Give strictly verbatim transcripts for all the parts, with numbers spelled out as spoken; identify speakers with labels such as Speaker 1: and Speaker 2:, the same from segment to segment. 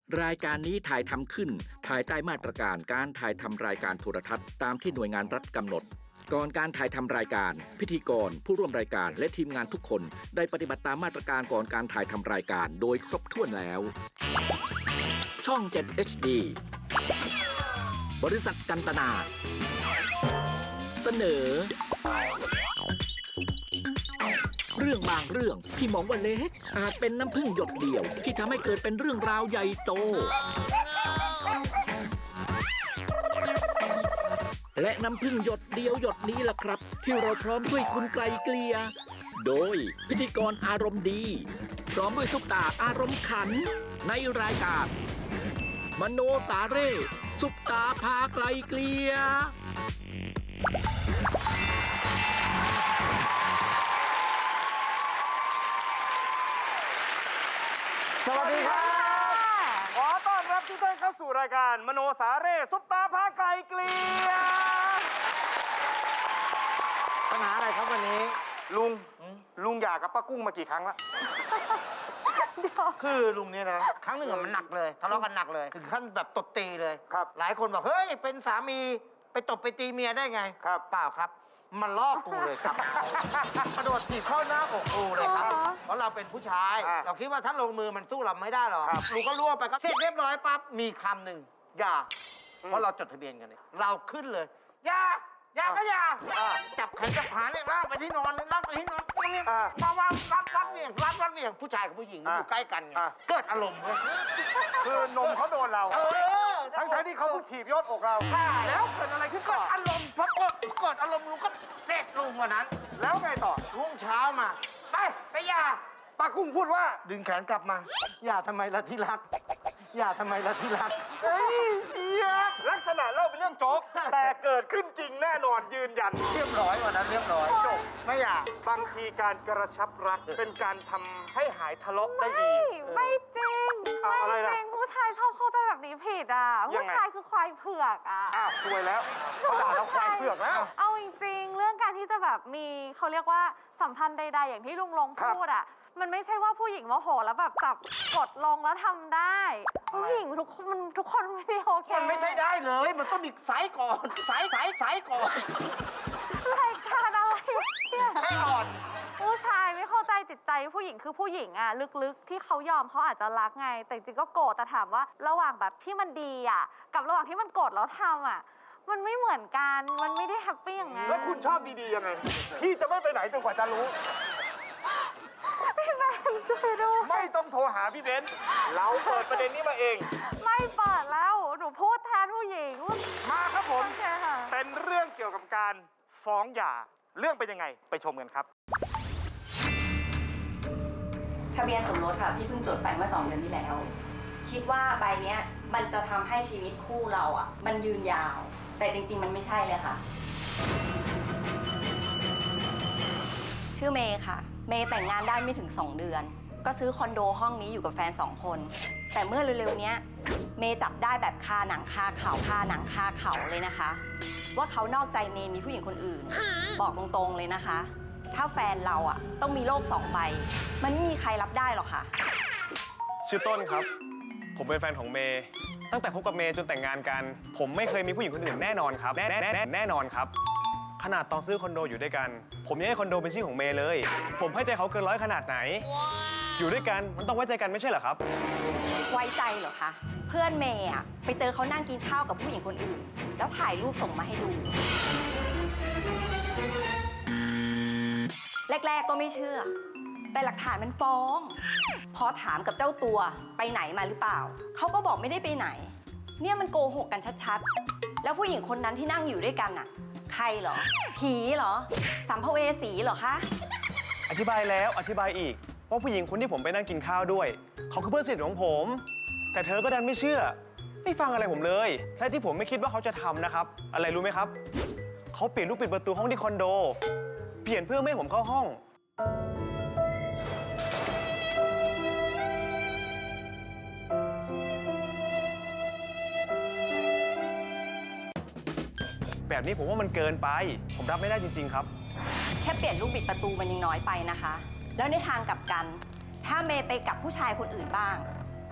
Speaker 1: รายการนี้ถ่ายทำขึ้นภายใต้มาตรการการถ่ายทำรายการโทรทัศน์ตามที่หน่วยงานรัฐกำหนดก่อนการถ่ายทำรายการพิธีกรผู้ร่วมรายการและทีมงานทุกคนได้ปฏิบัติตามมาตรการก่อนการถ่ายทำรายการโดยครบถ้วนแล้วช่อง เจ็ด เอช ดี บริษัทกันตนา เสนอเรื่องบางเรื่องที่มองว่าเล็กอาจเป็นน้ำพึ่งหยดเดียวที่ทำให้เกิดเป็นเรื่องราวใหญ่โตและน้ำพึ่งหยดเดียวหยดนี้ล่ะครับที่เราพร้อมช่วยคุณไกลเกลี่ยโดยพิธีกรอารมณ์ดีพร้อมด้วยซุปตาอารมณ์ขันในรายการมโนสาเร่ซุปตาพาไกลเกลี่ย
Speaker 2: สวัสดีครับขอต้อนรับทุกท่านเข้าสู่รายการมโนสาเร่ซุปตาพาไกลเกลี่ยปัญหาอะไรครับวันนี้ลุงลุงหย่ากับป้ากุ้งมากี่ครั้งละ
Speaker 3: คือลุงเนี่ยนะครั้งหนึ่งมันหนักเลยทะเลาะกันหนักเลยถึงขั้นแบบตบตีเลยครับหลายคนบอกเฮ้ยเป็นสามีไปตบไปตีเมียได้ไงครับเปล่าครับมันลอกกูเลยครับกระโดดถีบเข้าหน้าอกกูเลยครับเพราะเราเป็นผู้ชายเราคิดว่าถ้าลงมือมันสู้เราไม่ได้หรอกลุงก็ล่วงไปก็เสร็จเรียบร้อยปั๊บมีคำหนึ่งอย่าเพราะเราจดทะเบียนกันเนี่ยเราขึ้นเลยอย่าอย่าก็อย่าจับแขนจับขาเนี่ยลากไปที่นอนลากไปที่นอนเนี่ยมาวางรับรับเนี่ยรับรับเนี่ยผู้ชายกับผู้หญิงอยู่ใกล้กันไงเกิดอารมณ์เลย
Speaker 2: คือนมเขาโดนเราทั้งทั้งที่เขาถีบยอดอกเราแล้วเกิดอะไรขึ้นก่อน
Speaker 3: อารมณ์พอเกิดเกิดอารมณ์ลุงก็เสร็จลุงวันนั้น
Speaker 2: แล้วไงต่อ
Speaker 3: รุ่งเช้ามาไปไปอย่า
Speaker 2: ป้ากุ้งพูดว่า
Speaker 3: ดึงแขนกลับมาอย่าทำไมล่ะที่รักอย่าทำไมล่ะที่รัก
Speaker 2: เฮ้ยลักษณะเล่าเป็นเรื่องโจ๊กแต่เกิดขึ้นจริงแน่นอนยืนยัน
Speaker 3: เรียบร้อยวันนั้นเรียบร้อยจบไม่อยาก
Speaker 2: บางทีการกระชับรักเป็นการทำให้หายทะเลาะได้ดี
Speaker 4: ไม่จริงไม่จริงผู้ชายชอบเข้าใจแบบนี้ผิดอ่ะผู้ชายคือควายเผือกอ่ะ
Speaker 2: อ้าวซวยแล้วเขาด่าเราควายเผือกแล้ว
Speaker 4: เอาจริงๆเรื่องการที่จะแบบมีเขาเรียกว่าสัมพันธ์ใดๆอย่างที่ลุงลงพูดอ่ะมันไม่ใช่ว่าผู้หญิงโมโหแล้วแบบจับกดลงแล้วทำได้ผู้หญิงทุกคนมันทุกคนไม่ได้โอเค
Speaker 3: มันไม่ใช่ได้เลยมันต้องมีสายก่อนสายสายสายก่อน
Speaker 4: รายการอะไรเนี่ย
Speaker 3: ให้อ่อน
Speaker 4: ผู้ชายไม่เข้าใจจิตใจผู้หญิงคือผู้หญิงอ่ะลึกๆที่เขายอมเขาอาจจะรักไงแต่จริงก็โกรธแต่ถามว่าระหว่างแบบที่มันดีอ่ะกับระหว่างที่มันโกรธแล้วทำอ่ะมันไม่เหมือนกันมันไม่ได้แฮปปี้อย่างงั้น
Speaker 2: แล้วคุณชอบดีๆยังไงพี่จะไม่ไปไหนจนกว่าจะรู้
Speaker 4: พี่เบนช่วยดู
Speaker 2: ไม่ต้องโทรหาพี่เบนเราเปิดประเด็นนี้มาเอง
Speaker 4: ไม่เปิดแล้วหนูพูดแทนผู้หญิง
Speaker 2: มาครับผมเป็นเรื่องเกี่ยวกับการฟ้องหย่าเรื่องเป็นยังไงไปชมกันครับ
Speaker 5: ทะเบียนสมรสค่ะพี่เพิ่งจดไปเมื่อสองเดือนที่แล้วคิดว่าใบเนี้ยมันจะทำให้ชีวิตคู่เราอ่ะมันยืนยาวแต่จริงๆมันไม่ใช่เลยค่ะชื่อเมย์ค่ะเมย์แต่งงานได้ไม่ถึงสองเดือนก็ซื้อคอนโดห้องนี้อยู่กับแฟนสองคนแต่เมื่อเร็วๆนี้เมย์จับได้แบบคาหนังคาเขาคาหนังคาเขาเลยนะคะว่าเขานอกใจเมย์มีผู้หญิงคนอื่นบอกตรงๆเลยนะคะถ้าแฟนเราอ่ะต้องมีโลกสองใบมันไม่มีใครรับได้หรอกค่ะ
Speaker 6: ชื่อต้นครับผมเป็นแฟนของเมย์ตั้งแต่คบกับเมย์จนแต่งงานกันผมไม่เคยมีผู้หญิงคนอื่นแน่นอนครับแน่แน่แน่แน่นอนครับขนาดตอนซื้อคอนโดอยู่ด้วยกันผมยังให้คอนโดเป็นชื่อของเมย์เลยผมให้ใจเขาเกินร้อยขนาดไหน wow. อยู่ด้วยกันมันต้องไว้ใจกันไม่ใช่เหรอครับ
Speaker 5: ไว้ใจเหรอคะเพื่อนเมย์อะไปเจอเขานั่งกินข้าวกับผู้หญิงคนอื่นแล้วถ่ายรูปส่งมาให้ดูแรกๆก็ไม่เชื่อแต่หลักฐานมันฟ้องพอถามกับเจ้าตัวไปไหนมาหรือเปล่าเขาก็บอกไม่ได้ไปไหนเนี่ยมันโกหกกันชัดๆแล้วผู้หญิงคนนั้นที่นั่งอยู่ด้วยกันอะใครเหรอผีเหรอสัมภเวสีเหรอคะ
Speaker 6: อธิบายแล้วอธิบายอีกว่าผู้หญิงคนที่ผมไปนั่งกินข้าวด้วยเขาคือเพื่อนสนิทของผมแต่เธอก็ดันไม่เชื่อไม่ฟังอะไรผมเลยและที่ผมไม่คิดว่าเขาจะทำนะครับอะไรรู้ไหมครับเขาเปลี่ยนลูกปิดประตูห้องที่คอนโดเปลี่ยนเพื่อไม่ให้ผมเข้าห้องแบบนี้ผมว่ามันเกินไปผมรับไม่ได้จริงๆครับ
Speaker 5: แค่เปลี่ยนลูกบิดประตูมันยังน้อยไปนะคะแล้วในทางกลับกันถ้าเมย์ไปกับผู้ชายคนอื่นบ้าง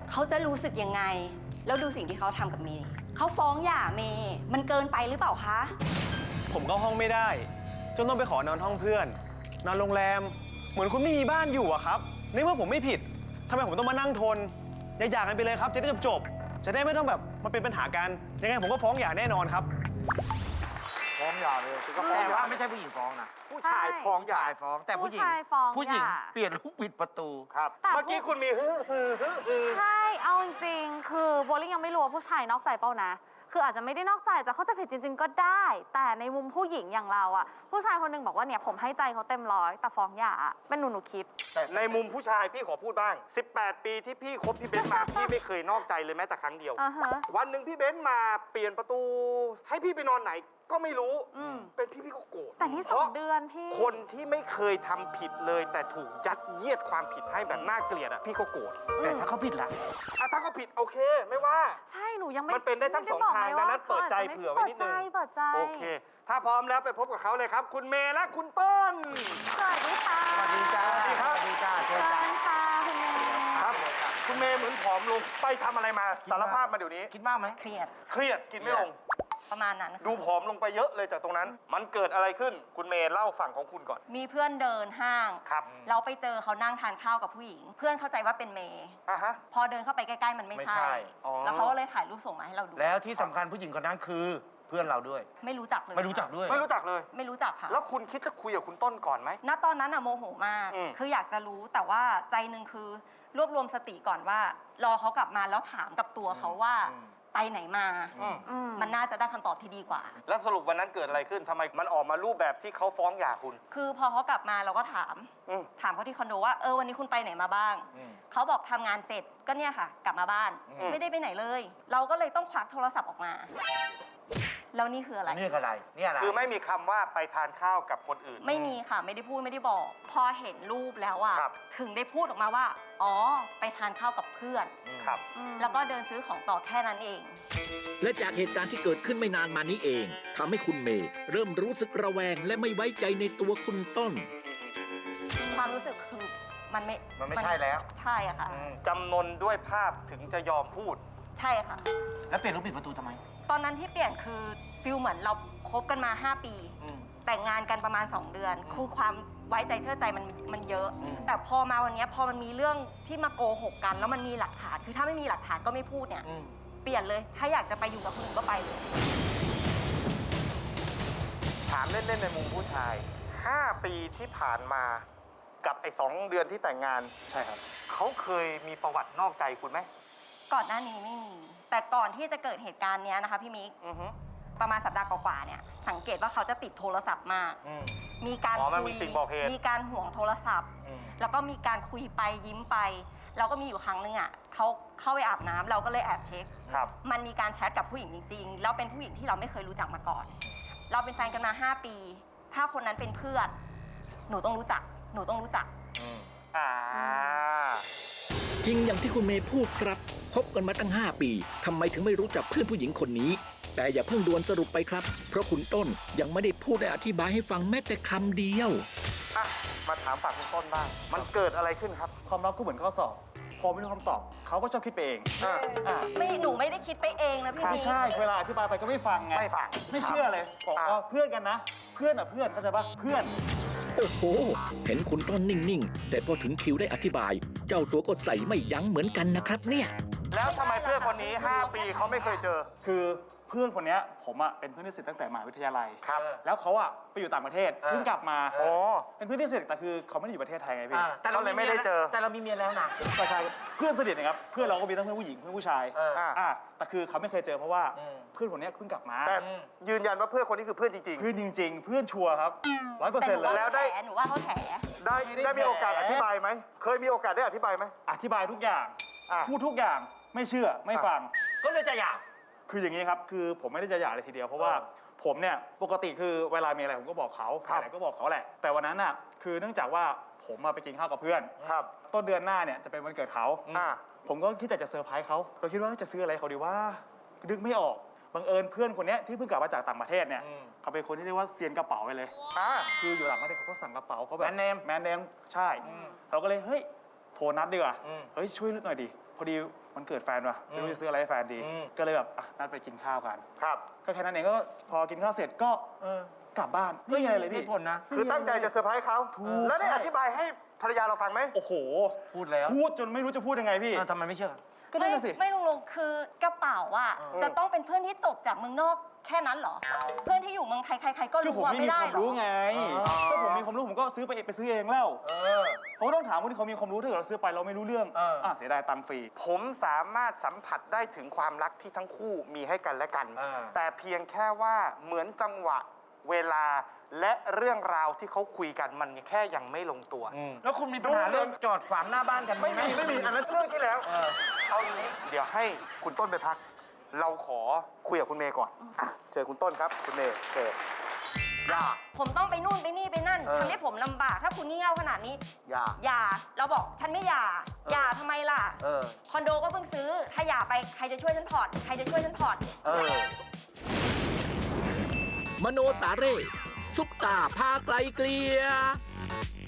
Speaker 5: เขาจะรู้สึกยังไง แล้วดูสิ่งที่เขาทำกับเมย์เขาฟ้องหย่าเมย์มันเกินไปหรือเปล่าคะ
Speaker 6: ผมเข้าห้องไม่ได้ จนต้องไปขอนอนห้องเพื่อน นอนโรงแรม เหมือนคุณไม่มีบ้านอยู่อะครับในเมื่อผมไม่ผิดทำไมผมต้องมานั่งทนอย่าหย่ากันไปเลยครับจะได้จบๆจะได้ไม่ต้องแบบมาเป็นปัญหากันยังไงผมก็ฟ้องหย่าแน่นอนครับ
Speaker 2: ฟ้องหย่าเลยก็ฟ้อง
Speaker 3: แต่
Speaker 2: หย่า
Speaker 3: ว่าไม่ใช่ผู้หญิงฟ้องนะ
Speaker 2: ผู้ชายฟ้องหย่า
Speaker 3: ชายฟ้องแต่ผู้หญิง
Speaker 4: ผู้ชายฟ้อง
Speaker 3: ผู้หญิง
Speaker 4: หย่า
Speaker 3: เปลี่ยนลูกบิดประตู
Speaker 2: ครับ
Speaker 4: แต่
Speaker 2: เมื่อกี้คุณมีฮึฮึฮึฮึ
Speaker 4: ใช่ เอาจริงๆ คือโบลิ่งยังไม่รู้ว่าผู้ชายนอกใจเปล่านะ คืออาจจะไม่ได้นอกใจจะเข้าใจผิดจริง ๆ ก็ได้ แต่ในมุมผู้หญิงอย่างเราอะผู้ชายคนหนึงบอกว่าเนี่ยผมให้ใจเขาเต็มร้อยแต่ฟ้องหย่าอะเป็นหนูหนูคิด
Speaker 2: แต่ในมุมผู้ชายพี่ขอพูดบ้าง สิบแปด ปีที่พี่คบพี่เบนซ์มา พี่ไม่เคยนอกใจเลยแม้แต่ครั้งเดียว
Speaker 4: อ่าฮะ
Speaker 2: วันหนึ่งพี่เบนซ์มาเปลี่ยนประตู ให้พี่ไปนอนไหนก็ไม่รู้
Speaker 4: อืม
Speaker 2: เป็นพี่พี่ก็โกรธ
Speaker 4: แต่นี่
Speaker 2: เพ
Speaker 4: สอง
Speaker 2: ราะ
Speaker 4: เดือนพี่
Speaker 2: คนที่ไม่เคยทำผิดเลย แต่ถูกยัดเยียดความผิดให้แบบน่าเกลียดอะพี่ก็โกรธ
Speaker 3: แต่ถ้าเขาผิดล่ะ
Speaker 2: อ่ะถ้าเขาผิดโอเคไม่ว่า
Speaker 4: ใช่หนูยังไม่
Speaker 2: มันเป็นได้ทั้งสองทางดังนั้นเปิดใจเผื่อไว้นิดนึง
Speaker 4: เปิดใจ
Speaker 2: โอเค ถ้าพร้อมแล้วไปพบกับเขาเลยครับ คุณเมย์และคุณต้น
Speaker 4: สวัสดีค่ะ
Speaker 3: สวัสดีจ้า
Speaker 2: สวัสดีครับ
Speaker 3: สวัสดีจ้าเชิ
Speaker 4: เชิ
Speaker 3: ญจ้า
Speaker 4: ญค่ะคุณเมย์
Speaker 2: ครับ คุณเมย์เหมือนผอมลงไปทำอะไรมาสารภาพมาเดี๋ยวนี้
Speaker 3: คิดมากไหม
Speaker 5: เครียด
Speaker 2: เครียดกินไม่ลง
Speaker 5: ประมาณนั้นค่ะ
Speaker 2: ดูผอมลงไปเยอะเลยจากตรงนั้น มันเกิดอะไรขึ้น คุณเมย์เล่าฝั่งของคุณก่อน
Speaker 5: มีเพื่อนเดินห้าง
Speaker 2: ครับ
Speaker 5: เราไปเจอเขานั่งทานข้าวกับผู้หญิง เพื่อนเข้าใจว่าเป็นเมย์
Speaker 2: อ่ะฮะ
Speaker 5: พอเดินเข้าไปใกล้ๆมันไม่
Speaker 3: ไม่
Speaker 5: ใช่
Speaker 3: ใช่
Speaker 2: อ๋อ
Speaker 5: แล้วเขาก็เลยถ่ายรูปส่งมาให้เราดู
Speaker 3: แล้วที่สำคัญผู้หญิงคนนั้นคือเพื่อนเราด้วย
Speaker 5: ไม่รู้จักเลย
Speaker 3: ไม่รู้จักด้วย
Speaker 2: ไม่รู้จักเลย
Speaker 5: ไม่รู้จักค่ะ
Speaker 2: แล้วคุณคิดจะคุยกับคุณต้นก่อนไหม
Speaker 5: ณตอนนั้นอะโมโหมาก
Speaker 2: อืม
Speaker 5: คืออยากจะรู้แต่ว่าใจหนึ่งคือรวบรวมสติก่อนว่า รอเขากลับมาแล้วถามกับตัวเขาว่าไปไหนมา
Speaker 2: อืม
Speaker 4: อืม
Speaker 5: มันน่าจะได้คำตอบที่ดีกว่า
Speaker 2: แล้วสรุปวันนั้นเกิดอะไรขึ้นทำไมมันออกมารูปแบบที่เขาฟ้องหย่าคุณ
Speaker 5: คือพอเขากลับมาเราก็ถาม
Speaker 2: อืม
Speaker 5: ถามเขาที่คอนโดว่าเออวันนี้คุณไปไหนมาบ้าง
Speaker 3: อืม
Speaker 5: เขาบอกทำงานเสร็จก็เนี่ยค่ะ กลับมาบ้าน
Speaker 3: อืม
Speaker 5: ไม่ได้ไปไหนเลย เราก็เลยต้องควักโทรศัพท์ออกมา แล้วนี่คืออะไร
Speaker 3: นี่คืออะไรนี่อะไร
Speaker 2: คือไม่มีคำว่าไปทานข้าวกับคนอื่น
Speaker 5: ไม่มีค่ะไม่ได้พูดไม่ได้บอก พอเห็นรูปแล้วอะ
Speaker 2: ครับ
Speaker 5: ถึงได้พูดออกมาว่า อ๋อ ไปทานข้าวกับเพื่อน
Speaker 2: ครับ
Speaker 4: อืม
Speaker 5: แล้วก็เดินซื้อของต่อแค่นั้นเอง
Speaker 1: และจากเหตุการณ์ที่เกิดขึ้นไม่นานมานี้เองทำให้คุณเมย์เริ่มรู้สึกระแวงและไม่ไว้ใจในตัวคุณต้น
Speaker 5: ความรู้สึกคือมันไม่
Speaker 3: มันไม่ใช่แล้ว
Speaker 5: ใช่อะค่ะ
Speaker 3: อืม
Speaker 2: จำนนด้วยภาพถึงจะยอมพูด
Speaker 5: ใช่ค่ะ
Speaker 3: แล้วเปลี่ยนลูกบิดประตูทำไม
Speaker 5: ตอนนั้นที่เปลี่ยนคือฟิลเหมือนเราคบกันมา ห้า ปี
Speaker 3: อืม
Speaker 5: แต่งงานกันประมาณ สอง เดือน
Speaker 3: อืม
Speaker 5: คือความไว้ใจเชื่อใจมันมันเยอะ
Speaker 3: อืม
Speaker 5: แต่พอมาวันเนี้ยพอมันมีเรื่องที่มาโกหกกัน แล้วมันมีหลักฐาน คือถ้าไม่มีหลักฐานก็ไม่พูดเนี่ย
Speaker 3: อืม
Speaker 5: เปลี่ยนเลย ถ้าอยากจะไปอยู่กับคนอื่นก็ไปเลย
Speaker 2: ถามเล่น ๆ ในมุมผู้ชาย ห้า ปีที่ผ่านมากับไอ้สองเดือนที่แต่งงาน
Speaker 6: ใช่ครับ
Speaker 2: เขาเคยมีประวัตินอกใจคุณไหม
Speaker 5: ก่อนหน้านี้ไม่มี แต่ก่อนที่จะเกิดเหตุการณ์เนี้ยนะคะพี่มิก
Speaker 2: อือฮึ
Speaker 5: ประมาณสัปดาห์กว่าๆเนี่ย สังเกตว่าเขาจะติดโทรศัพท์มาก
Speaker 3: อืม
Speaker 5: มีการ
Speaker 2: อ๋อมัน
Speaker 5: คุ
Speaker 2: มี
Speaker 5: ย
Speaker 2: สิ่งบอกเหตุ
Speaker 5: มีการห่วงโทรศัพท์
Speaker 3: อืม
Speaker 5: แล้วก็มีการคุยไปยิ้มไป แล้วก็มีอยู่ครั้งหนึงอ่ะเขาเข้าไปอาบน้ำเราก็เลยแอบเช็ค
Speaker 2: ครับ
Speaker 5: มันมีการแชทกับผู้หญิงจริงๆ แล้วเป็นผู้หญิงที่เราไม่เคยรู้จักมาก่อน เราเป็นแฟนกันมา ห้า ปี ถ้าคนนั้นเป็นเพื่อน หนูต้องรู้จัก หนูต้องรู้จัก
Speaker 3: อืม
Speaker 2: อ่า
Speaker 1: จริงอย่างที่คุณเมย์พูดครับคบกันมาตั้ง ห้า ปีทำไมถึงไม่รู้จักเพื่อนผู้หญิงคนนี้ แต่อย่าเพิ่งด่วนสรุปไปครับ เพราะคุณต้นยังไม่ได้พูดและอธิบายให้ฟังแม้แต่คำเดียว
Speaker 2: อ่ะ มาถามฝั่งคุณต้นบ้าง มันเกิดอะไรขึ้นครับ
Speaker 6: ความรักก็เหมือนข้อสอบ พอไม่รู้คำตอบ เขาก็ชอบคิดไปเอง
Speaker 2: อ่า
Speaker 6: อ่ะ
Speaker 5: ไม่ หนูไม่ได้คิดไปเองนะพี่
Speaker 6: ไม่
Speaker 5: มิก
Speaker 6: ใช่ เวลาอธิบายไปก็ไม่ฟังไง
Speaker 2: ไม่ฟัง
Speaker 6: ไม่เชื่อเลย บอก
Speaker 2: อ่ะ
Speaker 6: ว่าเพื่อนกันนะ เพื่อนอ่ะเพื่อนเข้าใจปะเพื่อน
Speaker 1: โอ้โห เห็นคุณต้นนิ่ง ๆ แต่พอถึงคิวได้อธิบาย เจ้าตัวก็ใส่ไม่ยั้งเหมือนกันนะครับเนี่ย
Speaker 2: แล้วทำไมเพื่อนคนนี้ ห้า ปีเขาไม่เคยเจอ
Speaker 6: คือเพื่อนคนเนี้ยผมอ่ะเป็นเพื่อนที่สนิทตั้งแต่มหาวิทยาลัย
Speaker 2: ครับ
Speaker 6: แล้วเขาอ่ะไปอยู่ต่างประเทศ เพิ่งกลับมา
Speaker 2: โอ้
Speaker 6: เป็นเพื่อนที่สนิทแต่คือเขาไม่ได้อยู่ประเทศไทยไงพี่
Speaker 3: อ่าแต่เรา
Speaker 2: ก็เลยไม่ได้เจอ
Speaker 3: แต่เรามีเมียแล้วนะ
Speaker 6: ก็ใช่เพื่อนสนิทนะครับ เพื่อนเราก็มีทั้งเพื่อนผู้หญิงเพื่อนผู้ชาย
Speaker 3: เออ
Speaker 2: อ่า
Speaker 6: อ่าแต่คือเขาไม่เคยเจอเพราะว่า
Speaker 3: อืม
Speaker 6: เพื่อนคนเนี้ยเพิ่งกลับมา
Speaker 2: แต่ยืนยันว่าเพื่อนคนนี้คือเพื่อนจริง
Speaker 6: เพื่อนจริง ๆ เพื่อนชัวร์ครับร้อยเปอร์
Speaker 5: แต่
Speaker 6: เซ็น
Speaker 5: ห
Speaker 6: ต์
Speaker 5: นู
Speaker 6: เลย
Speaker 5: ว่า
Speaker 2: แล้ว
Speaker 5: เขา
Speaker 2: ได้
Speaker 5: แถหนูว่าเขาแถ
Speaker 2: ๆ ได้
Speaker 6: ไม่ได้
Speaker 2: ได้มีโอกาส
Speaker 6: แผล
Speaker 2: อธิบายไหม เคยมีโอกาสได้อธิบายไหม
Speaker 6: อธิบายทุกอย่าง
Speaker 2: อ่ะ
Speaker 6: พูดทุกอย่างไม่เชื่อไม่ฟัง
Speaker 3: ก็เลยจะหย่า
Speaker 6: คืออย่างนี้ครับ คือผมไม่ได้จะหย่าเลยทีเดียว เพราะว่า
Speaker 3: เออ
Speaker 6: ผมเนี่ยปกติคือเวลามีอะไรผมก็บอกเขา
Speaker 2: ครับ
Speaker 6: อะไรก็บอกเขาแหละ แต่วันนั้นน่ะคือเนื่องจากว่าผมมาไปกินข้าวกับเพื่อน
Speaker 2: ครับ
Speaker 6: ต้นเดือนหน้าเนี่ยจะเป็นวันเกิดเขา
Speaker 2: อ่า
Speaker 6: ผมก็คิดแต่จะเซอร์ไพรส์เขาเราคิดว่าจะซื้ออะไรเขาดีว่านึกไม่ออกบังเอิญเพื่อนคนเนี้ยที่เพิ่งกลับมาจากต่างประเทศเนี่ย
Speaker 3: อืม
Speaker 6: เขาเป็นคนที่เรียกว่าเซียนกระเป๋าไปเลย
Speaker 2: อ่า
Speaker 6: คืออยู่ต่างประเทศเขาก็สั่งกระเป๋าเขาแบบ
Speaker 3: แบรนด์เนม
Speaker 6: แบรนด์เนมใช่
Speaker 3: อืม
Speaker 6: เราก็เลยเฮ้ยโทรนัดดีกว่า
Speaker 3: อืม
Speaker 6: เฮ้ยช่วยหน่อยดิพอดีมันเกิดแฟนว่ะไม่รู้จะซื้ออะไรให้แฟนดี ก็เลยแบบอ่ะนัดไปกินข้าวกัน
Speaker 2: ครับ
Speaker 6: ก็แค่นั้นเองก็พอกินข้าวเสร็จก็กลับบ้านไม่มีอะไรเลยพี่
Speaker 3: ผลนะ
Speaker 2: คือตั้งใจจะเซอร์ไพรส์เขา
Speaker 6: ถูก
Speaker 2: แล้วได้อธิบายให้ภรรยาเราฟังไหม
Speaker 6: โอ้โห
Speaker 3: พูดแล้ว
Speaker 6: พูดจนไม่รู้จะพูดยังไงพี่
Speaker 3: เออทำไมไม่เชื่อ
Speaker 6: ก็นั่นน่ะสิ
Speaker 5: ไม่ไม่ลุงลงคือกระเป๋าอะจะต้องเป็นเพื่อนที่จบจากเมืองนอกแค่นั้นเหรอ เพื่อนที่อยู่เมืองไทยใครๆก็
Speaker 6: คือ
Speaker 5: รู้
Speaker 6: ผม
Speaker 5: ว่า
Speaker 6: ไม่
Speaker 5: ไม่
Speaker 6: มี
Speaker 5: ได้
Speaker 6: ความ
Speaker 5: เหรอ
Speaker 6: รู้ไง
Speaker 3: อ๋อ
Speaker 6: ถ้าผมมีความรู้ผมก็ซื้อไปไปซื้อเองแล้ว
Speaker 2: เออ
Speaker 6: เขาก็ต้องถามคนที่เขามีความรู้ถ้าเกิดเราซื้อไปเราไม่รู้เรื่อง
Speaker 2: เอออ่
Speaker 6: อ่ะเสียดายตังค์ฟรี
Speaker 2: ผมสามารถสัมผัสได้ถึงความรักที่ทั้งคู่มีให้กันและกัน
Speaker 3: อ่า
Speaker 2: แต่เพียงแค่ว่าเหมือนจังหวะเวลาและเรื่องราวที่เขาคุยกันมันแค่ยังไม่ลงตัว
Speaker 3: แล้วคุณมีปัญหาเรื่องจอดขวางหน้าบ้านกัน
Speaker 2: ไม่
Speaker 3: ไหม
Speaker 2: มีไม่มีอันนั้นเรื่องที่แล้ว เอาอย่างนี้เดี๋ยวให้คุณต้นไปพัก เราขอคุยกับคุณเมย์ก่อนอ่ะเจอคุณต้นครับคุณเมย์เชิญอย่า
Speaker 5: ผมต้องไปนู่นไปนี่ไปนั่น
Speaker 2: เออ
Speaker 5: ทำให้ผมลำบากถ้าคุณงี่เง่าขนาดนี้
Speaker 2: อย่า
Speaker 5: อย่าเราบอกฉันไม่อย่าอย่าทำไมล่ะ
Speaker 2: เออ
Speaker 5: คอนโดก็เพิ่งซื้อ ถ้าอย่าไปใครจะช่วยฉันถอด ใครจะช่วยฉันถอด
Speaker 2: เออ
Speaker 1: มโนสาเร่ซุปตาพาไกลเกลีย